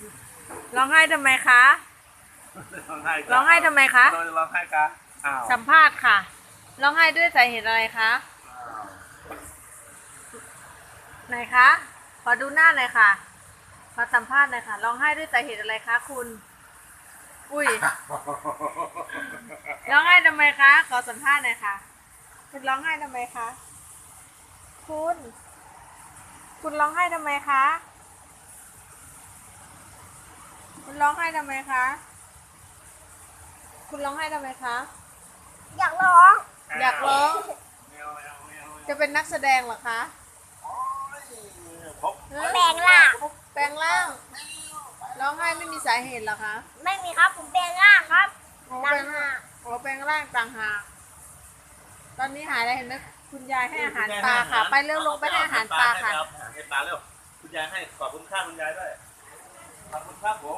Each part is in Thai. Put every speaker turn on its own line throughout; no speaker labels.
ร้องไห้ทำไมคะ
ร้องไห้
ร้องไห้ทำไมคะ
ร้องไห้คะอ้าว
สัมภาษณ์ค่ะ ร้องไห้ด้วยสาเหตุอะไรคะ ไหนคะ ขอดูหน้าหน่อยค่ะ ขอสัมภาษณ์หน่อยค่ะ ร้องไห้ด้วยสาเหตุอะไรคะคุณ อุ้ย ร้องไห้ทำไมคะ ขอสัมภาษณ์หน่อยค่ะ คุณร้องไห้ทำไมคะ คุณ คุณร้องไห้ทำไมคะ คุณร้องไห้ทำไมคะ คุณร้องไห้ทำไมคะ
อยากร้อง
อยากร้อง
ไม่เอาไม่เอาไม่เอา
จะเป็นนักแสดงเหรอคะ
โอ้ยพบ
แปลงล่าง
แปลงร่าง ร้องไห้ไม่มีสาเหตุเหรอคะ
ไม่มีครับผมแปลงล่างครับ
อ๋อ
ต่า
แปล
ง
ง
หาก
อ๋อแปลงร่างต่างหาก ตอนนี้หายแล้วเห็นไหมคุณยายให้อาหารปลาค่ะ ไปเร็วลงไปให้อาหารปลาค่ะ
ให้ปลาเร็วคุณยายให้ขอบคุณค่าคุณยายด้วยขอบคุณครับผม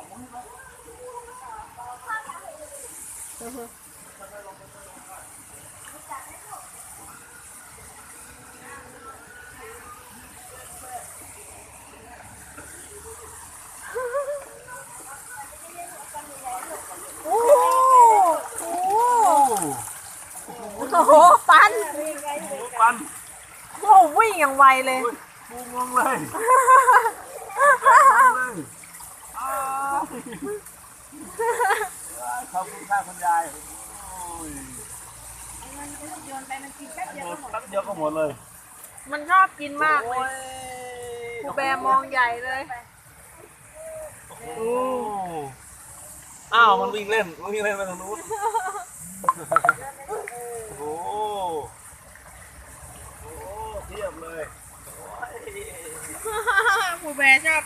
โอ้โหปัน
ปัน
โอ้วิ่งอย่างไวเลย
ปูงงเลยขอบคุณค่าคุณยายโอ้ย
โยนไปมันกินแป๊บเดียวก็หมด
แป๊บเดียวก็หมดเลย
มันชอบกินมากเลยครูแบร์มองใหญ่เลย
โอ้อ้าวมันวิ่งเล่นไปทางนู้นโอ้โหเทียบเลย
ครูแบร์ชอบ